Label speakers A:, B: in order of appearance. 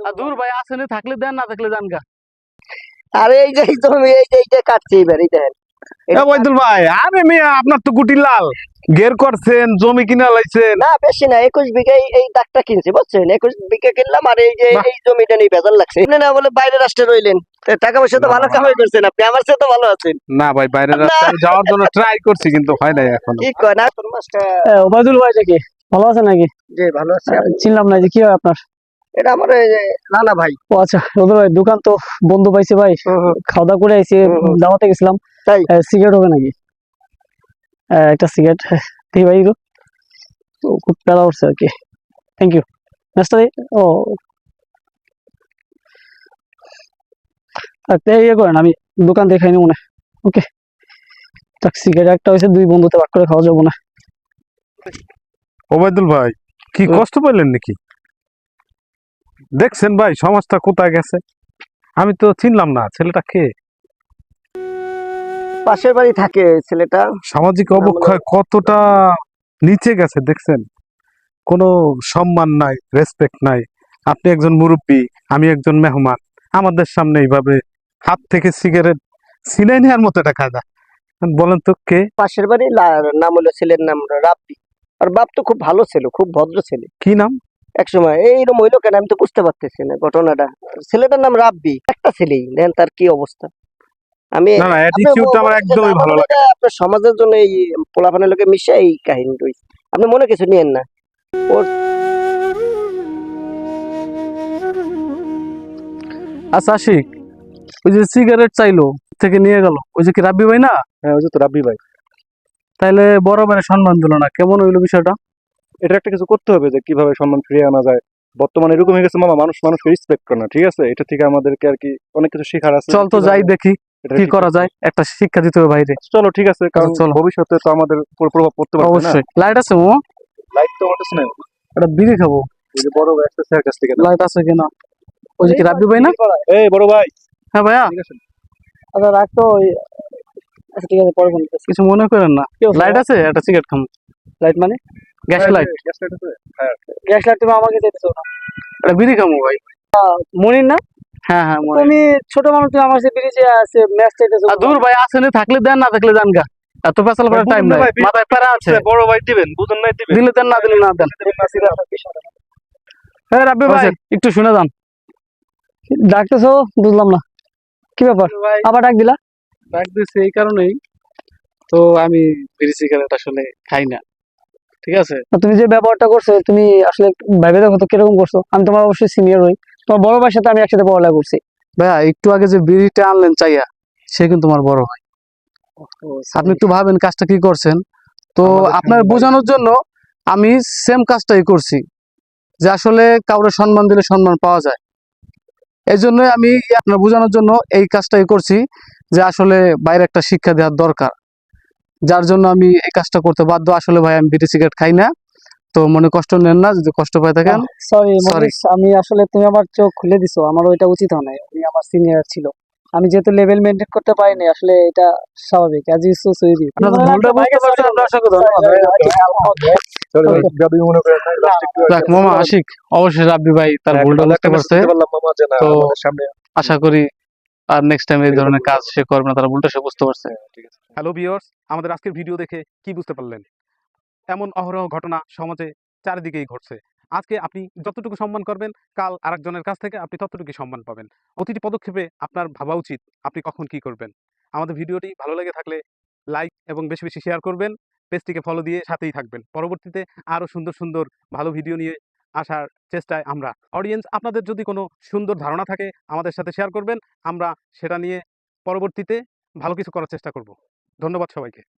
A: দূর ভাই আসেনি থাকলে দেন না থাকলে জান গা।
B: আরে এই যে জমি এই যে এইটা কাটছে এবার এই দেখেন
C: ওবায়দুল ভাই আরে মিয়া আপনার তো গুটি লাল গের করছেন জমি কিনা লাইছেন
B: না বেশি না 21 বিঘা এই দাগটা কিনছি বুঝছেন 21 বিঘা কিনলাম আর এই যে
C: বাহ।
B: এই জমিটা নিয়ে বেজার লাগছে আপনি না বলে বাইরের রাষ্ট্রে রইলেন টাকা পয়সা তো
C: না,
B: ভালো
C: না,
B: কামাই করছেন আপনি আমার সাথে তো ভালো আছেন
C: না ভাই বাইরের রাস্তায় যাওয়ার জন্য ট্রাই করছি কিন্তু হয় নাই এখনো।
B: কি কয় না তোর মাছটা
A: ওবায়দুল ভাই নাকি ভালো আছে নাকি?
B: যে ভালো আছে
A: চিনলাম না যে কি হয় আপনার?
B: এটা আমার এই যে নানা ভাই
A: ও আচ্ছা ওদের ভাই দোকান তো বন্ধ পাইছে ভাই, খাওয়া দাওয়া করে আইছি, দাওয়াতে গেছিলাম।
B: তাই
A: সিগারেট হবে নাকি? একটা সিগারেট দিই ভাই, খুব প্যারা উঠছে আর কি। Thank you. নেক্সট ও ইয়ে করেন, আমি দোকান দেখাই নি মনে। ওকে সিগারেট একটা হয়েছে, দুই বন্ধুতে ভাগ করে খাওয়া যাবো না।
C: ওবায়দুল ভাই কি কষ্ট পেলেন নাকি? দেখছেন ভাই সমাজটা কোথায় গেছে, আমি তো চিনলাম না ছেলেটা কে।
B: পাশের বাড়ি থাকে ছেলেটা
C: সামাজিক অবক্ষয় কতটা নিচে গেছে দেখছেন, কোনো সম্মান নাই, রেসপেক্ট নাই। আপনি একজন মুরব্বী, আমি একজন মেহমান, আমাদের সামনে এইভাবে হাত থেকে সিগারেট ছিনাই নেওয়ার মতো একটা কায়দা। বলেন তো কে?
B: পাশের বাড়ি নাম হলো ছেলের নাম রাব্বি আর বাপ তো খুব ভালো ছিল, খুব ভদ্র ছেলে।
C: কি নাম?
B: একসময় এইরকম হইলো কেন আমি তো বুঝতে পারতেছি না ঘটনাটা। ছেলেটার নাম রাব্বি, একটা ছেলেই, দেখেন তার কি অবস্থা। আমি
C: না না অ্যাটিটিউডটা আমার একদমই ভালো লাগে।
B: আপনার সমাজের জন্য এই পোলাপানের লোকে মিশে এই কাহিনী রয়েছে, আপনি মনে কিছু নিয়েন না। ওর
A: আচ্ছা আশিক, ওই যে সিগারেট চাইলো থেকে নিয়ে গেল, ওই যে কি রাব্বি ভাই না?
D: হ্যাঁ ওই যে তো রাব্বি ভাই।
A: তাইলে বড় ভাইয়ের সম্মান দিল না, কেমন হইলো বিষয়টা?
D: এটা একটা কিছু করতে হবে যে কিভাবে সম্মান ফিরিয়ে আনা যায়। বর্তমানে এরকম হয়ে গেছে মামা, মানুষকে রেসপেক্ট করে না, ঠিক আছে? এটা থেকে আমাদেরকে আর কি অনেক কিছু শেখার আছে।
A: চল তো যাই দেখি
D: এটা
A: কি
D: ঠিক
A: করা
D: আছে।
A: যায়, একটা শিক্ষা দিতে হবে বাইরে।
D: চলো ঠিক আছে, কারণ
A: চলো।
D: ভবিষ্যতে তো আমাদের উপর প্রভাব পড়তে পারে না।
A: অবশ্যই। লাইট আছে ও?
D: লাইট তো আমাদের না,
A: একটা বিড়ি খাবো,
D: ওই যে বড় ভাই একটা স্যার কাছ থেকে
A: লাইট আছে কিনা। ওই যে কি রাব্বি ভাই না?
D: এই বড় ভাই।
A: হ্যাঁ ভাইয়া।
D: ঠিক আছে
A: আচ্ছা রাখ তো আচ্ছা ঠিক আছে, পরে ফোন করতেছি। কিছু মনে করেন না, লাইট আছে, একটা সিগারেট খাবো। লাইট মানে গ্যাস লাইট?
D: গ্যাস লাইট আছে। হ্যাঁ
A: গ্যাস লাইট তুমি আমাকে চাইতেছো না, একটা বিড়ি খাবো ভাই। মনির না? হ্যাঁ হ্যাঁ মনির। তুমি ছোট মানুষ, তুমি আমার সাথে বিড়ি আছে ম্যাচ চাইতেছো। দূর ভাই আসেনি থাকলে দেন না থাকলে জান গা, এত পেছাল করার টাইম নাই, মাথায় প্যারা আছে।
D: বড় ভাই দিবেন, বুঝুন নাই দিবেন।
A: দিলে দেন না দিলে না দেন। হ্যাঁ রাব্বি ভাই একটু শুনে যান। ডাকতেছো বুঝলাম না কি ব্যাপার, আবার ডাক দিলা? ডাক দিছি এই কারণেই তো, আমি বিড়ি সিগারেট আসলে খাই না, ঠিক আছে? তুমি যে ব্যবহারটা করছো, তুমি আসলে ভেবে দেখো তো কিরকম করছো। আমি তোমার অবশ্যই সিনিয়র হই, তোমার বড় ভাইয়ের সাথে আমি একসাথে পড়ালেখা করছি। ভাইয়া একটু আগে যে বিড়িটা আনলেন চাইয়া, সে কিন্তু তোমার বড় ভাই। আপনি একটু ভাবেন কাজটা কি করছেন। তো আপনার বোঝানোর জন্য আমি সেম কাজটাই করছি, যে আসলে কাউরে সম্মান দিলে সম্মান পাওয়া যায়। এই জন্য আমি আপনার বোঝানোর জন্য এই কাজটাই করছি, যে আসলে বাইরে একটা শিক্ষা দেওয়ার দরকার, যার জন্য আমি এই কাজটা করতে বাধ্য। আসলে ভাই আমি বিড়ি সিগারেট খাই না, তো মনে কষ্ট নেন না যদি কষ্ট পাই থাকেন। সরি, আমি আসলে তুমি আমার চোখ খুলে দিছো, আমার ওইটা উচিত হয় নাই। উনি আমার সিনিয়র ছিল, আমি যেহেতু লেভেল মেইনটেইন করতে পারিনি, আসলে এটা স্বাভাবিক। আজ ইস সো সরি। আপনারা ভুলটা বুঝতে পারছেন, আমরা আশা করি
D: সরি ভাই, গাবি মনে করেন না, লাস্ট একটু
A: দেখ মামা আশিক, অবশ্যই রাব্বি ভাই তার ভুলটা বুঝতে পারছে।
D: বললাম মামা যে না
A: তো
D: আমাদের সামনে
A: আশা করি আর নেক্সট টাইম এই ধরনের কাজ সে করবে না, তার ভুলটা সে বুঝতে পারছে।
D: ঠিক আছে।
C: হ্যালো ভিউয়ার্স, আমাদের আজকের ভিডিও দেখে কি বুঝতে পারলেন? এমন অহরহ ঘটনা সমাজে চারিদিকেই ঘটছে। আজকে আপনি যতটুকু সম্মান করবেন, কাল আরেকজনের কাছ থেকে আপনি ততটুকুই সম্মান পাবেন। প্রতিটি পদক্ষেপে আপনার ভাবা উচিত আপনি কখন কি করবেন। আমাদের ভিডিওটি ভালো লেগে থাকলে লাইক এবং বেশি বেশি শেয়ার করবেন, পেজটিকে ফলো দিয়ে সাথেই থাকবেন। পরবর্তীতে আরও সুন্দর সুন্দর ভালো ভিডিও নিয়ে আসার চেষ্টায় আমরা। অডিয়েন্স, আপনাদের যদি কোনো সুন্দর ধারণা থাকে আমাদের সাথে শেয়ার করবেন, আমরা সেটা নিয়ে পরবর্তীতে ভালো কিছু করার চেষ্টা করব। ধন্যবাদ সবাইকে।